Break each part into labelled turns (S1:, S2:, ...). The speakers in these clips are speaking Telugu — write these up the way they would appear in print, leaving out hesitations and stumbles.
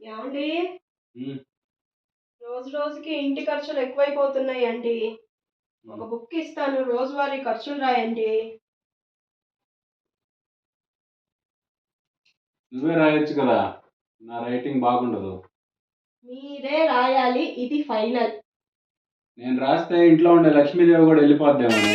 S1: ఏమండి?
S2: హ్మ్.
S1: రోజు రోజుకి ఇంటి ఖర్చులు ఎక్కువైపోతున్నాయండి. ఒక
S2: హ్మ్.
S1: బుక్ ఇస్తాను. రోజువారీ ఖర్చులు రాయండి.
S2: నువ్వే రాయొచ్చు కదా! నా రైటింగ్ బాగుండదు.
S1: మీరే రాయాలి. ఇది ఫైనల్.
S2: నేను రాస్తే ఇంట్లో ఉండే లక్ష్మీదేవి కూడా వెళ్ళిపోద్దేమోనే.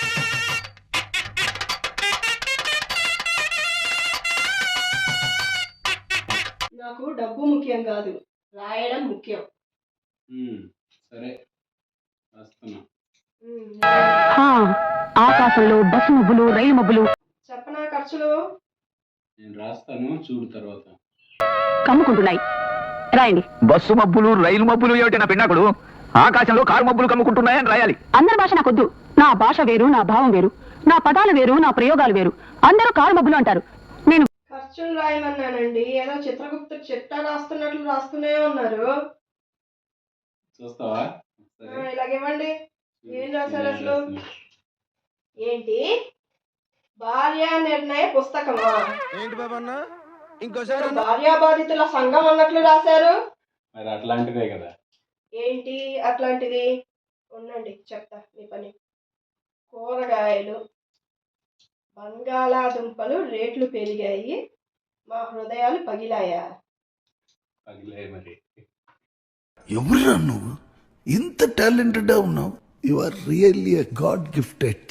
S1: నాకు డబ్బు ముఖ్యం కాదు. రాయడం ముఖ్యం.
S2: సరే రాస్తున్నా.
S1: రాయండి.
S3: ఆకాశంలో బస్సు మబ్బులు రైలు మబ్బులు
S1: చెప్పనా ఖర్చులు?
S2: నేను రాస్తాను చూడు తర్వాత.
S3: కమ్ముకుంటున్నాయి. రాయండి.
S4: బస్సు మబ్బులు రైలు మబ్బులు ఏమిటి నా పిన్నాకుడు? ఆకాశంలో కారు మబ్బులు కమ్ముకుంటున్నాయని రాయాలి.
S3: అందరి భాష నాకొద్దు. నా భాష వేరు, నా భావం వేరు, నా పదాలు వేరు, నా ప్రయోగాలు వేరు. అందరూ కారు మబ్బులు అంటారు. నేను
S1: ఖర్చులు రాయమన్నానండి. ఏదో చిత్రగుప్త చిట్టా రాస్తున్నట్లు రాస్తూనే ఉన్నారు.
S2: చూస్తావా? సరే
S1: ఇలాగివ్వండి. ఏం రాశారు
S2: నేను
S1: అసలు?
S2: రాస్తున్నా.
S1: ఏంటి? భార్య నిర్ణయ పుస్తకమా?
S5: ఏంటి బాబన్న ఇంకోసారి
S1: భార్యాబాధితుల సంఘం అన్నట్లు రాశారు.
S2: మరి అట్లాంటిదే కదా.
S1: ఏంటి అట్లాంటిది? ఉండండి చెప్తా మీ పని. కూరగాయలు, బంగాళాదుంపలు రేట్లు పెరిగాయి. మా హృదయాలు పగిలాయా?
S2: పగిలే మరి.
S6: ఎవరురా నువ్వు? ఇంత టాలెంటెడ్ ఉన్నావు. You are really a god gifted.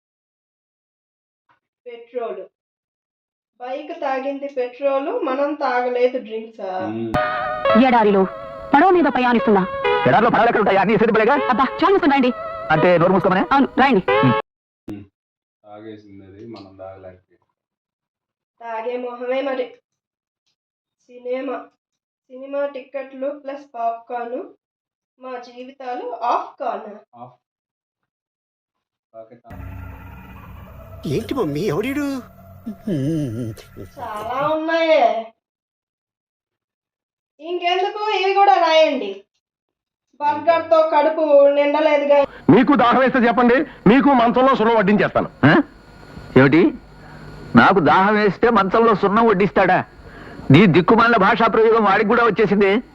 S1: Petrol, bike తాగింది పెట్రోలు, మనం తాగలేదు డ్రింక్సా?
S2: హ్మ్.
S3: ఎడారిలో పడవ మీద ప్రయాణిస్తున్నా.
S4: ఎడార్లో పడవలు ఎక్కడ ఉంటాయి? అన్ని సిద్ధపడేగా.
S3: అబ్బా చాలు మూసుకుని రాయండి.
S4: అంటే నోరు మూసుకోమనే.
S3: అవును రాయండి.
S2: తాగేసింది అది, మనం తాగలేకపోయాం.
S1: తాగే మొహమే మరి. సినిమా టిక్కెట్లు ప్లస్ పాప్కార్న్, మా జీవితాలు off corn.
S2: Off pocket off.
S5: ఏంటి మమ్మీ ఎవడీడు
S1: చాలా ఉన్నాయే. ఇంకెందుకు ఇవి కూడా రాయండి. బర్గర్ తో కడుపు నిండలేదుగా.
S4: మీకు దాహం వేస్తే చెప్పండి, మీకు మంచంలో సున్నం వడ్డించేస్తాను. ఏమిటి? నాకు దాహం వేస్తే మంచంలో సున్నం వడ్డిస్తాడా? నీ దిక్కుమాలిన భాషా ప్రయోగం వాడికి కూడా వచ్చేసింది.